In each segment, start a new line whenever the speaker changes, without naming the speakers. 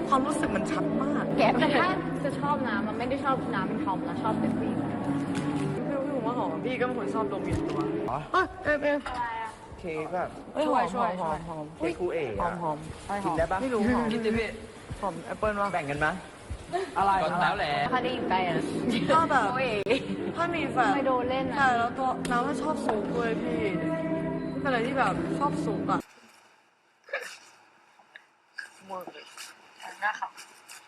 ความรู้สึกมันชัดมาก
แกแต่ถ้าจะชอบน้ำมันไม่ได้ชอบน้ำเป็นทอมแล้วชอบเป็นผู้หญิง
พี่ผมว่าหอมพี่ก็เป็นคนชอบดมกลิ่นตัวเออ
เค้กแบบ
ช่วย
เค้กคูเอ๋
หอมหอม
กินได้ปะ
ไม่รู้หอมกินดิพี่หอมแอปเปิ้ลวะ
แบ่งกันไหม
อะไร
ก็แล้วแหละ
ถ้าได้ยินไปอ่ะ
ถ้าแบบ
โอ้ย
ถ้ามีแฟน
ไม่โดนเล่นนะ
ใช่แล้วตัวน้ำก็ชอบสูงด้วยพี่เป็นอะไรที่แบบชอบสูงอ่ะหมดเลยหน้าขับ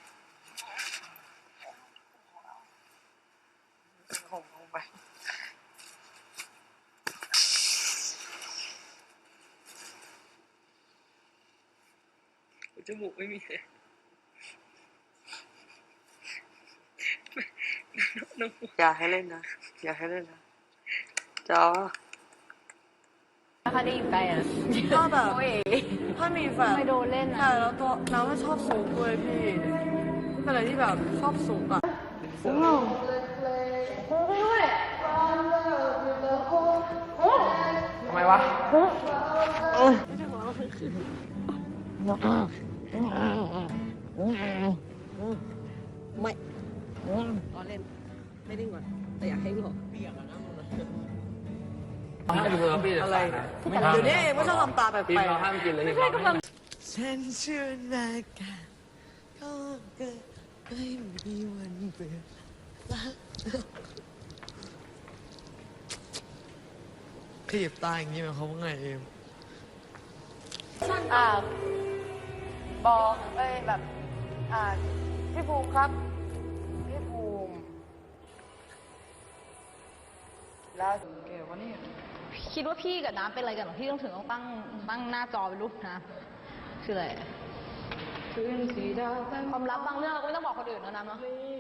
ผมลงไปจมูกไม่มีเลยอย่าให้เล่นนะอย่าให้เล่นนะจ้า
ถ้าได้ยินไปอ่ะ
ถ้าแบบ
โอ้ย
ถ้ามีแฟน
ไม่โดนเล่นนะ
ใช่แล้วตัวน้ำก็ชอบสูงด้วยพี่เป็นอะไรที่แบบชอบสูงอ่ะ
ทำไมวะ
ไม่ตอนเล่นไม่ดิ้งก่อนแต่อยากให้หลอก
ห้ามกินเลยพี่
อะไร
ไม่ห้าม
เดี๋ยวนี้เองก็ชอบทำตาแปล
พี่
ก
เราห้ามกินเลย
ไม่ใช่กำลัง
ฉันเชื่อนาการก็เกิดไม่มีวันเบื่อขยิบตาอย่างนี้หมายความว่าไงเอม
บอกแบบพี่ภูมิครับพี่ภูมิแล้วเก๋วะนี่คิดว่าพี่กับน้ำเป็นอะไรกันหรอพี่ต้องถึงต้องตั้งหน้าจอเป็นรูปน้ำคืออะไรความลับบางเรื่องเราก็ไม่ต้องบอกคนอื่นนะน้ำเนาะ